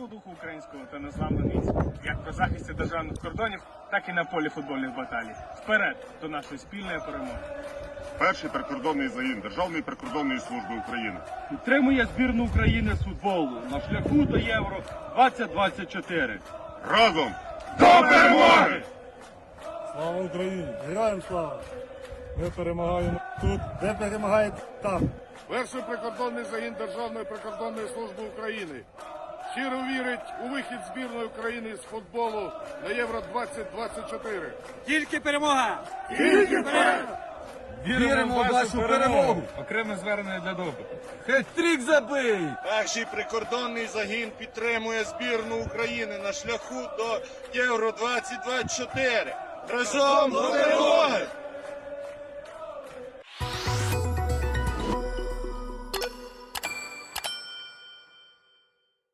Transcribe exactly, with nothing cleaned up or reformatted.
бойового духу українського та незламну міць, як при захисті державних кордонів, так і на полі футбольних баталій. Вперед до нашої спільної перемоги. Перший прикордонний загін Державної прикордонної служби України підтримує збірну України з футболу на шляху до Євро двадцять двадцять чотири. Разом до перемоги! Слава Україні! Героям слава! Ми перемагаємо тут, де перемагають там. Перший прикордонний загін Державної прикордонної служби України щиро вірить у вихід збірної України з футболу на Євро двадцять двадцять чотири. Тільки перемога! Тільки перемога! Віримо в вашу перемогу! Окреме звернення для допиту. Хет-трік забий! Перший прикордонний загін підтримує збірну України на шляху до Євро двадцять двадцять чотири. Разом до перемоги!